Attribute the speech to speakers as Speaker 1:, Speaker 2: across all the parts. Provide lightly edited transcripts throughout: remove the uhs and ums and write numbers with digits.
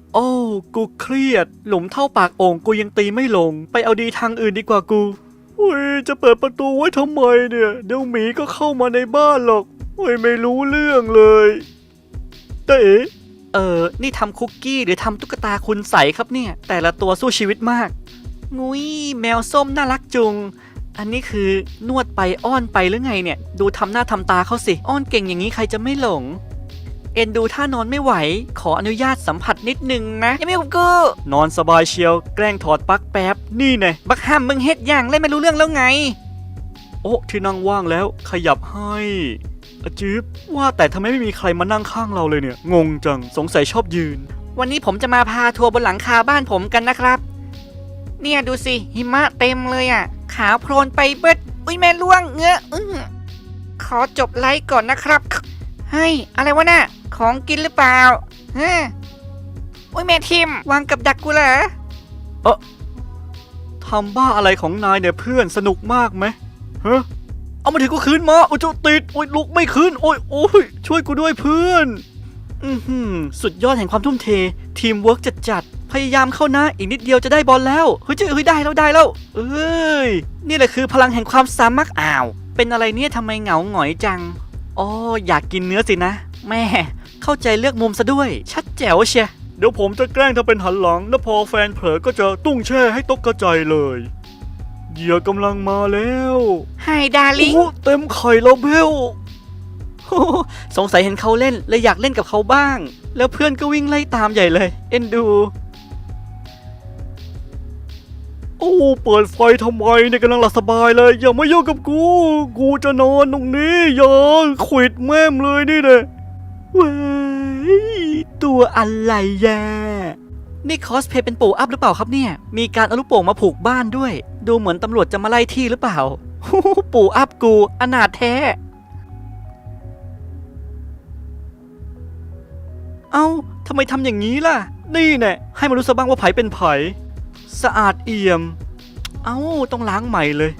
Speaker 1: โอ้กูเครียดหลุมเท่าปากโอ่งกูยังตีไม่ลงไปเอาดีทางอื่นดีกว่ากูอุ้ยจะเปิดประตูไว้ทำไมเนี่ยเดี๋ยวหมีก็เข้ามาในบ้านหรอกอุ้ยไม่รู้เรื่องเลยแต่นี่ทำคุกกี้หรือทำตุ๊กตาคุณใสครับเนี่ยแต่ละตัวสู้ชีวิตมากงุ้ยแมวส้มน่ารักจุงอันนี้คือนวดไปอ้อนไปหรือไงเนี่ยดูทำหน้าทำตาเขาสิอ้อนเก่งอย่างนี้ใครจะไม่หลงเอ็นดูถ้านอนไม่ไหวขออนุญาตสัมผัสนิดนึงนะยังไม่กับกูนอนสบายเชียวแกล้งถอดปลั๊กแป๊บนี่ไงบักห้ามมึงเฮ็ดอย่างเล่นไม่รู้เรื่องแล้วไงโอ้ที่นั่งว่างแล้วขยับให้อาจิ๊บว่าแต่ทำไมไม่มีใครมานั่งข้างเราเลยเนี่ยงงจังสงสัยชอบยืนวันนี้ผมจะมาพาทัวร์บนหลังคาบ้านผมกันนะครับเนี่ยดูสิหิมะเต็มเลยอ่ะขาวโพลนไปเบิดอุ้ยแม่ล่วงเงอะขอจบไลฟ์ก่อนนะครับเฮ้ยอะไรวะน่ะของกินหรือเปล่าฮะอุ้ยแม่ทิมวางกับดักกูเหรอทำบ้าอะไรของนายเนี่ยเพื่อนสนุกมากไหมฮะเอามาถึงกูคืนมาโอ้ยจะติดโอ้ยลุกไม่ขึ้นโอ้ยช่วยกูด้วยเพื่อนสุดยอดแห่งความทุ่มเททีมเวิร์กจัดพยายามเข้านะอีกนิดเดียวจะได้บอลแล้วเฮ้ยได้แล้วเอ้ยนี่แหละคือพลังแห่งความสามัคอ้าวเป็นอะไรเนี่ยทำไมเหงาหงอยจังอ๋ออยากกินเนื้อสินะแม่เข้าใจเลือกมุมซะด้วยชัดแจ๋วเชียเดี๋ยวผมจะแกล้งทำเป็นหันหลังแล้วพอแฟนเผลอก็จะตุ้งแช่ให้ตกกระจายเลยเหยื่อกำลังมาแล้วไฮดาลิงเต็มไข่แล้วเบลสงสัยเห็นเขาเล่นเลยอยากเล่นกับเขาบ้างแล้วเพื่อนก็วิ่งไล่ตามใหญ่เลยเอ็นดูโอ้เปิดไฟทำไมเนี่ยกำลังหลับสบายเลยอย่ามายุ่งกับกูจะนอนตรงนี้อย่าขวิดแม่มเลยนี่เลยว้ายตัวอะไรแย่นี่คอสเพย์เป็นปู่อัพหรือเปล่าครับเนี่ยมีการเอาลูกโป่งมาผูกบ้านด้วยดูเหมือนตำรวจจะมาไล่ที่หรือเปล่าปู่อัพกูอนาถแท้เอ้าทำไมทำอย่างนี้ล่ะนี่แน่ให้มารู้ซะบ้างว่าไผเป็นไผสะอาดเอี่ยมเอ้าต้องล้างใหม่เลย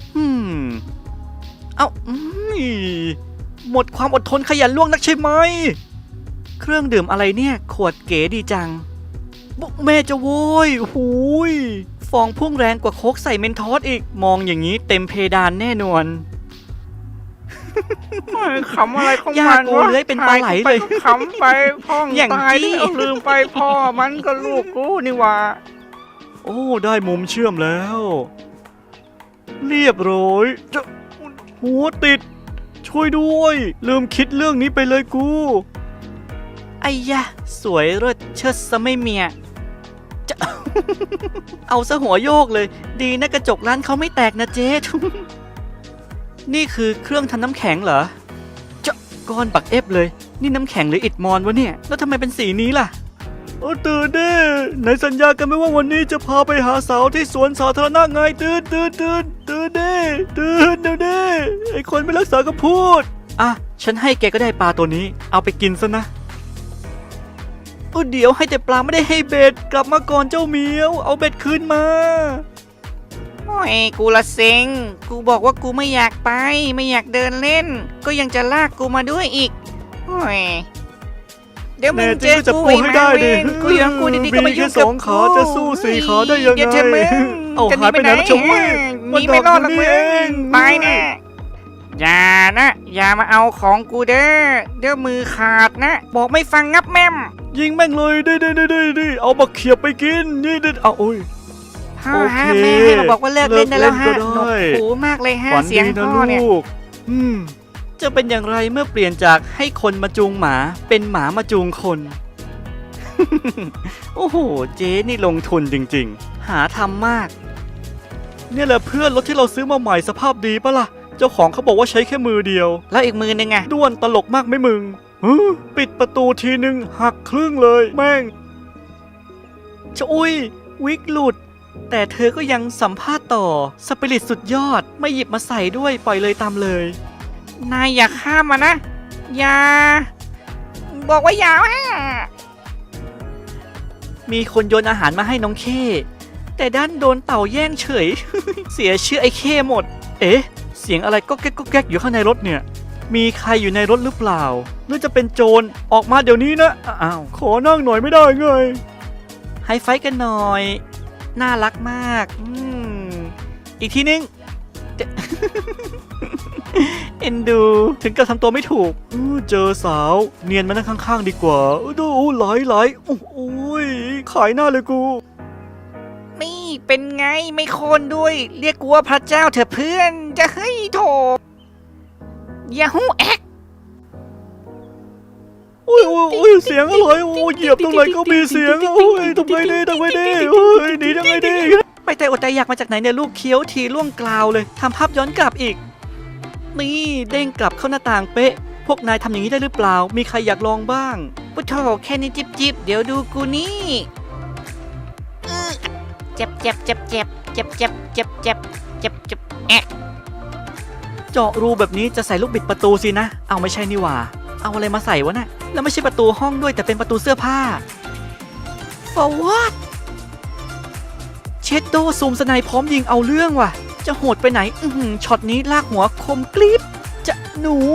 Speaker 1: เอ้าหมดความอดทนขยันล่วงนักใช่ไหมเครื่องดื่มอะไรเนี่ยขวดเก๋ดีจังแม่จะโว้ยหูยฟองพุ่งแรงกว่าโค้กใส่เมนทอสอีกมองอย่างนี้เต็มเพดานแน่นอน
Speaker 2: ขำอะไรของมันวะ
Speaker 1: ยากกูเลยเป็นปลาไหลเลย
Speaker 2: ขำไปพ่องตายแล้วลืมไปพ่อมันก็ลูกกูนี่ว่า
Speaker 1: โอ้ได้มุมเชื่อมแล้วเรียบร้อยจะหัวติดช่วยด้วยลืมคิดเรื่องนี้ไปเลยกูไอ้ยะสวยเลิศเชิดซะไม่เมียจะ เอาซะหัวโยกเลยดีนะกระจกร้านเขาไม่แตกนะเจ๊ นี่คือเครื่องทำน้ำแข็งเหรอจะก้อนปักเอฟเลยนี่น้ำแข็งหรืออิฐมอนวะเนี่ยแล้วทำไมเป็นสีนี้ล่ะตื่นดิไหนสัญญากันไหมว่าวันนี้จะพาไปหาสาวที่สวนสาธารณะไงตื่นดิเดี๋ยวดิไอคนไม่รักษาก็พูดอ่ะฉันให้แกก็ได้ปลาตัวนี้เอาไปกินซะนะเดี๋ยวให้แต่ปลาไม่ได้ให้เบ็ดกลับมาก่อนเจ้าเหมียวเอาเบ็ดคืนมา
Speaker 2: โอ้ยกูละเซ็งกูบอกว่ากูไม่อยากไปไม่อยากเดินเล่นก็ยังจะลากกูมาด้วยอีกโอ้ยเดี๋ยวมึงเจอกูไอ้แมวเวนกูยังกูดีๆก็มายุ่งกับกู
Speaker 1: จะสู้สี่ขาได้ยังไง
Speaker 2: อย่าเจ็บมึง
Speaker 1: เอาหายไปไหนแล้วชมพู่
Speaker 2: มีไม่รอดหรอกมึงตายแน่อย่านะอย่ามาเอาของกูเด้อเดี๋ยวมือขาดนะบอกไม่ฟังงับแม่ม
Speaker 1: ยิงแม่งเลยดิเอาบักเขียบไปกินนี่เอาโอ้ย
Speaker 2: พ่อฮะแม่ให้เราบอกว่าเลิกเล่นได้แล้วฮะหนวกหูมากเลยฮะเสียงพ่อเนี่ย
Speaker 1: จะเป็นอย่างไรเมื่อเปลี่ยนจากให้คนมาจูงหมาเป็นหมามาจูงคน โอ้โหเจ๊นี่ลงทุนจริงๆหาทำมากเนี่ยแหละเพื่อนรถที่เราซื้อมาใหม่สภาพดีปะล่ะเจ้าของเขาบอกว่าใช้แค่มือเดียว
Speaker 2: แล้วอีกมือนึงไง
Speaker 1: ด้วนตลกมากไหมมึงปิดประตูทีนึงหักครึ่งเลยแม่งอุ้ยวิกหลุดแต่เธอก็ยังสัมภาษณ์ต่อสปิริตสุดยอดไม่หยิบมาใส่ด้วยปล่อยเลยตามเลย
Speaker 2: นายอย่าข้ามมานะอย่าบอกว่าอย่า
Speaker 1: มีคนโยนอาหารมาให้น้องเคแต่ด้านโดนเต่าแย่งเฉย เสียชื่อไอ้เคหมดเอ๊ะเสียงอะไรก็แก๊กอยู่ข้างในรถเนี่ยมีใครอยู่ในรถหรือเปล่าหรือจะเป็นโจรออกมาเดี๋ยวนี้นะอ้าวขอนั่งหน่อยไม่ได้ไงไฮไฟว์กันหน่อย น่ารักมากอีกทีนึง เอ็นดูถึงกับทำตัวไม่ถูกเจอสาวเนียนมานั่งข้างๆดีกว่าดูไหลโอ้ยขายหน้าเลยกู
Speaker 2: นี่เป็นไงไม่โคนด้วย เรียกกูว่าพระเจ้าเถอะเพื่อนจะให้โถยาฮูแอก
Speaker 1: โอ้ยเสียงอะไรโอ้ยเหยียบตรงไหนก็มีเสียงโอ้ยทำไงดีโอ้ยหนีทำไงดีไปแต่อดใจอยากมาจากไหนเนี่ยลูกเคี้ยวทีล่วงกลาวเลยทำภาพย้อนกลับอีกนี่เด้งกลับเข้าหน้าต่างเป๊ะพวกนายทำอย่างนี้ได้หรือเปล่ามีใครอยากลองบ้าง
Speaker 2: ปุโถแค่นี้จิบเดี๋ยวดูกูนี่เจ็บแอะ
Speaker 1: เจาะรูแบบนี้จะใส่ลูกบิดประตูสินะเอาไม่ใช่นี่หว่าเอาอะไรมาใส่วะน่ะแล้วไม่ใช่ประตูห้องด้วยแต่เป็นประตูเสื้อผ้า For what เชดโดซูมสไนพร้อมยิงเอาเรื่องว่ะจะโหดไปไหนช็อตนี้ลากหัวคมกริบจะหนู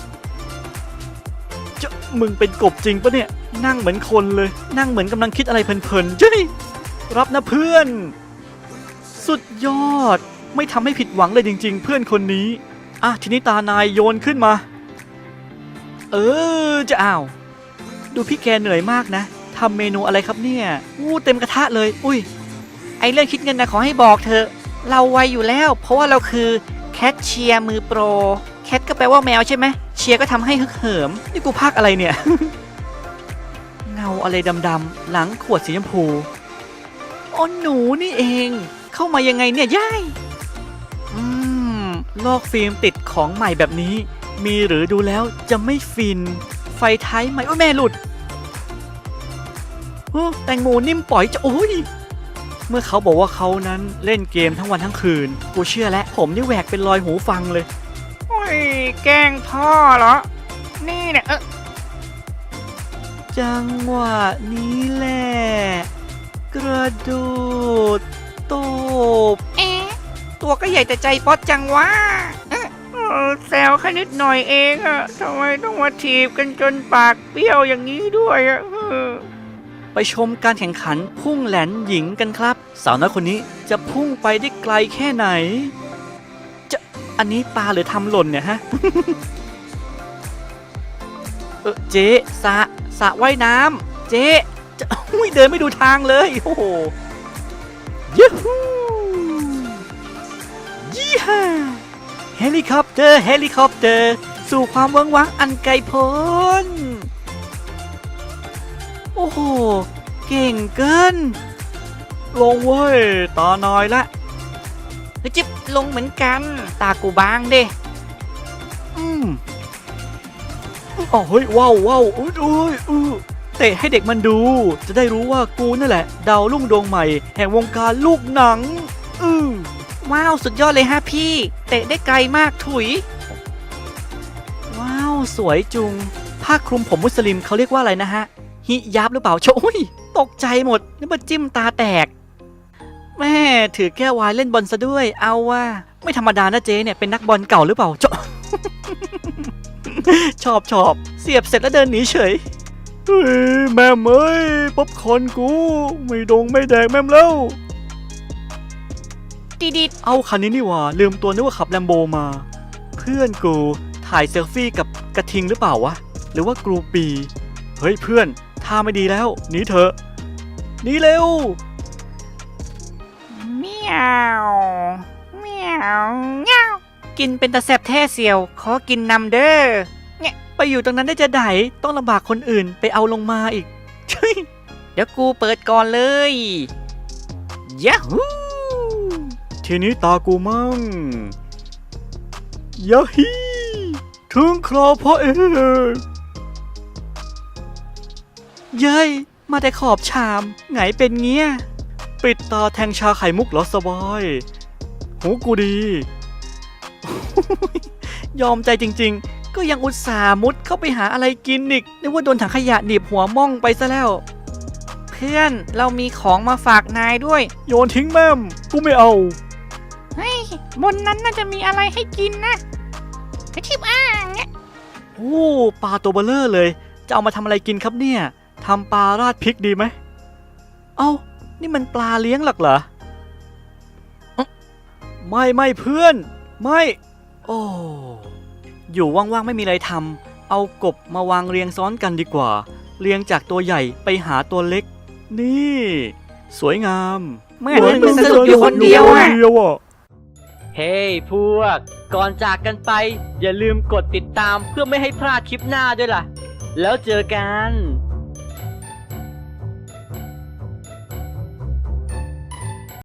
Speaker 1: จะมึงเป็นกบจริงปะเนี่ยนั่งเหมือนคนเลยนั่งเหมือนกำลังคิดอะไรเพลินๆเจ้ยรับนะเพื่อนสุดยอดไม่ทำให้ผิดหวังเลยจริงๆเพื่อนคนนี้ทีนี้ตานายโยนขึ้นมาจะดูพี่แกเหนื่อยมากนะทำเมนูอะไรครับเนี่ยเต็มกระทะเลยอุ้ย
Speaker 2: ไอเรื่องคิดเงินนะขอให้บอกเธอเราไวอยู่แล้วเพราะว่าเราคือแคทเชียร์มือโปรแคทก็แปลว่าแมวใช่ไหมเชียร์ก็ทำให้ฮึกเหิม
Speaker 1: นี่กูพากอะไรเนี่ย เงาอะไรดำๆหลังขวดสีชมพูอ๋อหนูนี่เองเข้ามายังไงเนี่ยย่ายลอกฟิล์มติดของใหม่แบบนี้มีหรือดูแล้วจะไม่ฟินไฟท้ายใหม่โอ้ยแม่หลุดแตงโมนิ่มปล่อยจะโอ้ยเมื่อเขาบอกว่าเขานั้นเล่นเกมทั้งวันทั้งคืนกูเชื่อแล้วผมนี่แหวกเป็นรอยหูฟังเลย
Speaker 2: โอ้ยแกล้งพ่อเหรอนี่เนี่ย
Speaker 1: จังหวะนี้แหละกระโดดตบ
Speaker 2: ตัวก็ใหญ่แต่ใจป๊อดจังวะแซวแค่นิดหน่อยเองอะทำไมต้องมาถีบกันจนปากเปี้ยวอย่างนี้ด้วยอะ
Speaker 1: ไปชมการแข่งขันพุ่งแหลนหญิงกันครับสาวน้อยคนนี้จะพุ่งไปได้ไกลแค่ไหนอันนี้ปลาหรือทำหล่นเนี่ยฮะ เจ๊สระว่ายน้ำเจ๊จะเดินไม่ดูทางเลยโอ้โหยูฮูยี่ห้าเฮลิคอปเตอร์สู่ความเวิ้งว้างอันไกลโพ้นโอ้โหเก่งเกินลงเว้ยตานายละ
Speaker 2: จิ๊บลงเหมือนกันตากูบางเด้
Speaker 1: เฮ้ยว้าวเตะให้เด็กมันดูจะได้รู้ว่ากูนั่นแหละดาวรุ่งดวงใหม่แห่งวงการลูกหนัง
Speaker 2: ว้าวสุดยอดเลยฮะพี่เตะได้ไกลมากถุย
Speaker 1: ว้าวสวยจุงผ้าคลุมผมมุสลิมเขาเรียกว่าอะไรนะฮะฮิยับหรือเปล่าโอ้ยตกใจหมดนึกว่าจิ้มตาแตกแม่ถือแก้ววายเล่นบอลซะด้วยเอาว่าไม่ธรรมดานะเจ๊เนี่ยเป็นนักบอลเก่าหรือเปล่าชอบเสียบเสร็จแล้วเดินหนีเฉยแม่เอ้ยป๊อปคอร์นกูไม่แดกแม่แล้ว
Speaker 2: ดิด
Speaker 1: เอาคันนี้นี่ว่าลืมตัวนึกว่าขับแลมโบมาเพื่อนกูถ่ายเซลฟี่กับกระทิงหรือเปล่าวะหรือว่ากรูปีเฮ้ยเพื่อนท่าไม่ดีแล้วหนีเถอะหนีเร็ว
Speaker 2: เมียวกินเป็นตะแสบแท้เสียวขอกินนำเด้อ
Speaker 1: เนี่ยไปอยู่ตรงนั้นได้จะไหนต้องลำบากคนอื่นไปเอาลงมาอีก
Speaker 2: เดี๋ยวกูเปิดก่อนเลยยะฮู
Speaker 1: ทีนี้ตากูมั่งยะฮีถึงคราวพ่อเองเย้ยมาแต่ขอบชามไงเป็นเงี้ยปิดตาแทงชาไข่มุกเหรอสบายหูกูดี ยอมใจจริงๆก็ยังอุตส่าห์มุดเข้าไปหาอะไรกินอีกนึกว่าโดนถังขยะหนีบหัวม่องไปซะแล้ว
Speaker 2: เพื่อนเรามีของมาฝากนายด้วย
Speaker 1: โยนทิ้งแม่มกูไม่เอา
Speaker 2: เฮ้ยบนนั้นน่าจะมีอะไรให้กินนะกระชิบเนี่ย
Speaker 1: โอ้ปลาตัวเบลเลอร์เลยจะเอามาทำอะไรกินครับเนี่ยทำปลาราดพริกดีไหมเอ้านี่มันปลาเลี้ยงหรอกเหรอไม่เพื่อน ไม่ โอ้ อยู่ว่างๆไม่มีอะไรทำเอากบมาวางเรียงซ้อนกันดีกว่า เรียงจากตัวใหญ่ไปหาตัวเล็ก นี่ สวยงาม
Speaker 2: เหมือนมึงสนุกอยู่คนเดียวอะ
Speaker 3: เฮ้ hey, พวก ก่อนจากกันไปอย่าลืมกดติดตามเพื่อไม่ให้พลาดคลิปหน้าด้วยล่ะ แล้วเจอกัน